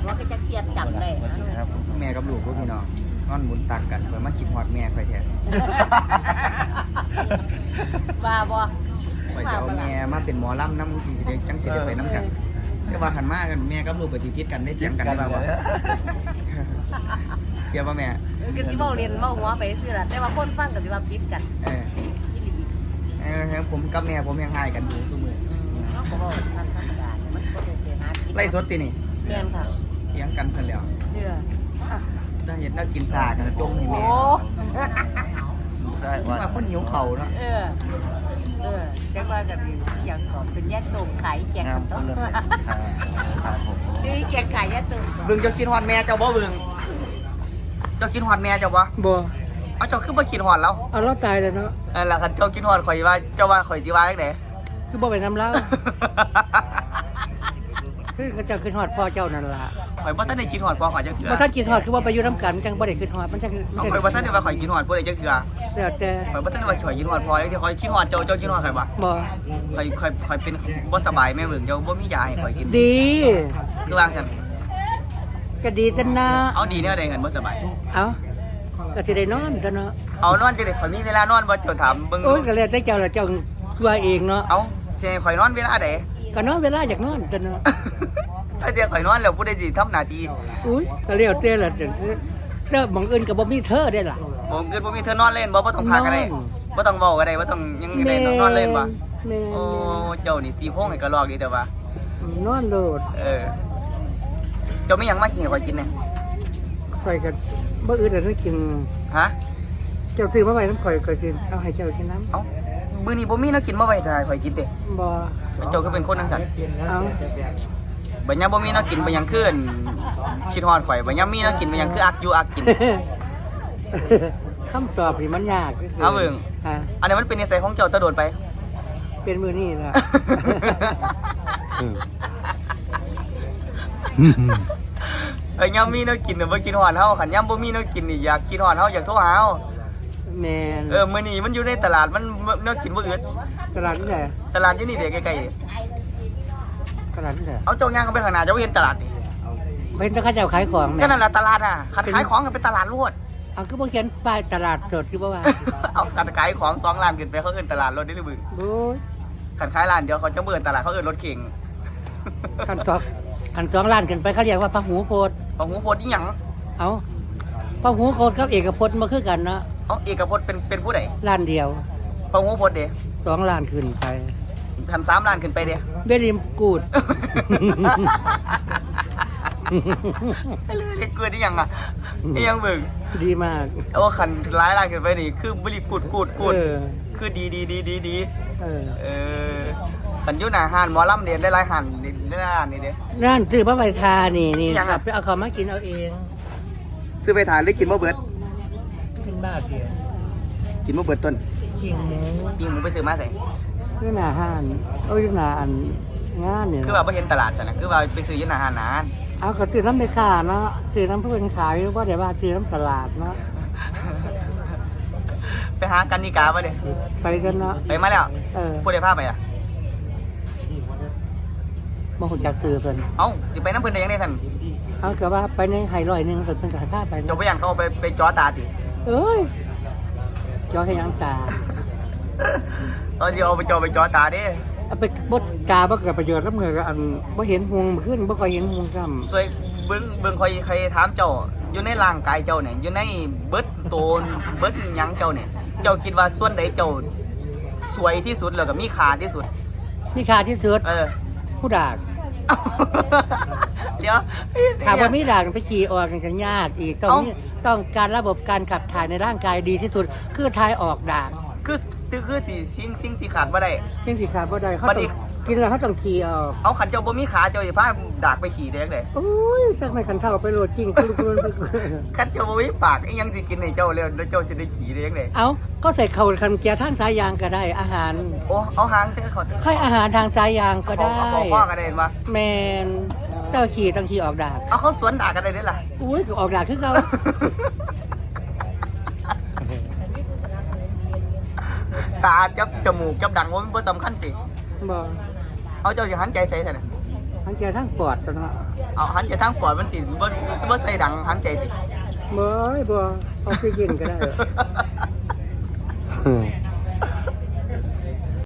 ว่าก็จะเครียดจับเลยนะครับแม่กับลูกก็พี่น้องนอนหมุนตักกันเพื่อมาคิดฮอดแม่ค่อยแท้บ้าบ่ค่อยจะเอาแม่มาเป็นหมอลำน้ำสิได้จังสิได้ไปน้ำกันแต่ว่าหันมากันแม่กับลูกก็สิพิษกันได้เถียงกันได้บ่าบ่เสียบ่แม่ก็สิเว้าเล่นเว้าหัวไปซื่อล่ะแต่ว่าคนฟังก็สิว่าผิดกันเอออีหลีผมกับแม่ผมยังหายกันอยู่ซุมื้อเนาะบ่เว้าธรรมดามันบ่ได้เสียหาผิดไล่สดตินี่แม่นค่ะเถียงกันซั่นแล้วเด้อถ้าเห็นน่ากินซ่ากันจงให้โอ้แม่ว่าคนหิวข้าวเนาะจังว่าก็มีอย่างก่อนเป็นแยกตรงขายแจกกันต้องนี่แจกขายแยกตรงเบิ่งเจ้าคิดฮอดแม่เจ้าบ่เบิ่งเจ้าคิดฮอดแม่เจ้าบ่บ่เอาเจ้าคือบ่คิดฮอดแล้วเอาเราตายแล้วเนาะนั่นล่ะคันเจ้าคิดฮอดข่อยว่าเจ้าว่าข่อยสิว่าจังได๋คือบ่ไปน้ำเล่าคือเขาเจ้าขึ้นฮอดพ่อเจ้านั่นล่ะข่อยบ่ทันได้คิดฮอดพ่อข่อยจังเทื่อบ่ทันกินฮอดคือว่าไปอยู่น้ำกันจังบ่ได้ขึ้นฮอดมันจังเอาข่อยบ่ทันได้ว่าข่อยคิดฮอดผู้ใดจังเทื่อแล้วแต่ข่อยบ่ทันได้ว่าข่อยคิดฮอดพ่อจังเทื่อข่อยคิดฮอดเจ้าเจ้าคิดฮอดข่อยบ่บ่ข่อยเป็นบ่สบายแม่เบิ่งเจ้าบ่มียาให้ข่อยกินดีคือว่าซั่นก็ดีจังนะเอาดีแนวใดกันบ่สบายเอาก็สิได้นอนกันเนาะเอานอนจังได๋ข่อยมีเวลานอนบ่เจ้าถามเบิ่งโอ้ยก็แล้วแต่เจ้าล่ะเจ้าว่าเองเนาะเอาสิให้ข่อยนอนเวลาใดก็นอนเวลาอยากนอนกันเนาะถ้าเดี๋ยวข่อยนอนแล้วผู้ใดสิทำหน้าที่อุ้ยก็แล้วแต่ล่ะจังแล้วบางอื่นก็บ่มีเธอได้ล่ะผมเกิดบ่มีเธอนอนเล่นบ่ต้องพาก็ได้นอนบ่ต้องเว้าก็ได้บ่ต้องหยังก็ได้นอนเล่นบ่แม่โอ้เจ้านี่สีโพงให้กระลอกดีแต่ว่านอนโลดเจ้าไม่ยังมากินให้ข่อยกินเนี่ยข่อยก็บ่อื่นแล้วกินฮะเจ้าซื้อมาไว้น้ำข่อยก็สิเอาให้เจ้ากินน้ำเอ้ามื้อนี้บ่มีแนวกินมาไว้ให้ข่อยกินเด้บ่เจ้าก็เป็นคนจังซั่นเอาบัดยามบ่มีแนวกินบ่ยังคืนคิดฮอดข่อยบัดยามมีแนวกินบ่ยังคืออักอยู่อักกินคำตอบนี่มันยากเอาเบิ่งฮะอันนี้มันเป็นนิสัยของเจ้าตะโดดไปเป็นมือนี่ล่ะยามมีแนวกินน่ะบ่คิดฮอดเฮาคันยามบ่มีแนวกินนี่อยากคิดฮอดเฮาอยากโทรหาเฮาแม่นมื้อนี้มันอยู่ในตลาดมันแนวกินบ่อึดตลาดนี่แหละตลาดอยู่นี่เด้ใกล้ๆนี่ตลาดนี่แหละเอาเจ้าย่างเข้าไปข้างหน้าเจ้าบ่เห็นตลาดนี่เห็นแต่เขาเจ้าขายของแม่ก็นั่นล่ะตลาดน่ะคันขายของก็เป็นตลาดรวดเอาคือบ่เขียนป้ายตลาดสดคือบ่ว่าเอาการขายของ2ล้านขึ้นไปเขาเอิ้นตลาดรถได้หรือบึงโอ้ยคันขายร้านเดียวเขาจะเบิ่นตลาดเขาเอิ้นรถเข่งคันสองล้านขึ้นไปเขาเรียกว่าพระหูโพธิ์ของหูพจน์อีหยังเอาพระหูโพธิ์กับเอกพจน์มาคือกันเนาะเอาเอกพจน์เป็นผู้ใดล้านเดียวของหูพจน์เด้ 2 ล้านขึ้นไปคัน3ล้านขึ้นไปเด้เบริมกูดเรียกเกินอีหยังอ่ะอีหยังเบิ่งดีมากโอ้คันหลายล้านขึ้นไปนี่คือบ่รีกูดเออคือดีเออเออคันอยู่หน้าห้านหมอลำเด้หลายๆห้านนี่ร้านนี่เด้ร้านซื้อพระใบทานี่อีหยังคอะรับไปเอาเขามากินเอาเองซื้อไปทานหรือกินบ่เบิดเป็นบ้าเดียวกินบ่เบิดต้นกินหมูปิ้งหมูไปซื้อมาใส่นี่หน้าห้านเอาอยู่หน้าอันงานเนี่ยคือว่าบ่เห็นตลาดซั่นน่ะคือว่าไปซื้ออยู่หน้าห้านนานเอาก็ซื้อน้ำไปขาเนาะซื้อน้ำเพื่อนขายว่าแต่ว่าซื้อน้ำตลาดเนาะไปหากันนิกาบ่เด้ไปกันเนาะไปมาแล้วเออผู้ใดพาไปล่ะมาหุ่นจักซื้อเพิ่นเอ้าสิไปน้ำเพิ่นได้ยังไงท่านเอาก็ว่าไปในไฮลอยหนึงเพิ่นขายผ้าไปเจ้าไปยันเขาเอาไปจ้อตาติเอ้ยจอให้ยังตาตอนที่เอาไปจ้อตาเด้เอาไปบดตาบ่เกิดประโยชน์กับเงินก็อันบ่เห็นหงขึ้นบ่ค่อยเห็นหงซ้ำสวยเบิ่งใครถามเจ้าอยู่ในร่างกายเจ้าเนี่ยอยู่ในเบิดโตนเบิดหยังเจ้าเนี่ยเจ้าคิดว่าส่วนใดเจ้าสวยที่สุดแล้วก็มีค่าที่สุดนี่ค่าที่สุด ผู้ดากเดี๋ยวถามว่ามีด่างไปขี่ออกกันยากอีกต้องการระบบการขับถ่ายในร่างกายดีที่สุดคือถ่ายออกด่างคือที่สิ่งที่ขาดบ่ได้เพียงสีขาบ่ได้เขาบัดต้นี้องกินแล้วเขาต้องขี่ออกเอาขันเจ้าบ่มีขาเจ้าสิพาดากไปขี่ได้จังได๋โอ้ยสักไม่ขันเท่าไปโหลดจริงคุณขันเจ้าบ่มีปากอีหยังสิกินให้เจ้าแล้วเจ้าสิได้ขี่ได้จังได๋เอาก็ใส่เข่าคันเกียร์ท่านสายยางก็ได้อาหารโอ้เอาหางเถอะเขาให้อาหารทางสายยางก็ได้เอาพ่อก็ได้เห็นบ่แมนเจ้าขี่ต้องขี่ออกด่างเอาเขาสวนด่ากันได้เด้ล่ะอุ้ยก็ออกด่างคือเขาตาจับจมูกจับดังว่ามันบ่สำคัญติบอกเอาเจ้าสิหันใจใส่ซั่นน่ะหันใจทั้งปอดตัวเนาะเอาหันใจทางปอดมันสิบ่ใส่ดังหันใจติบ่ออกซิเจนก็ได้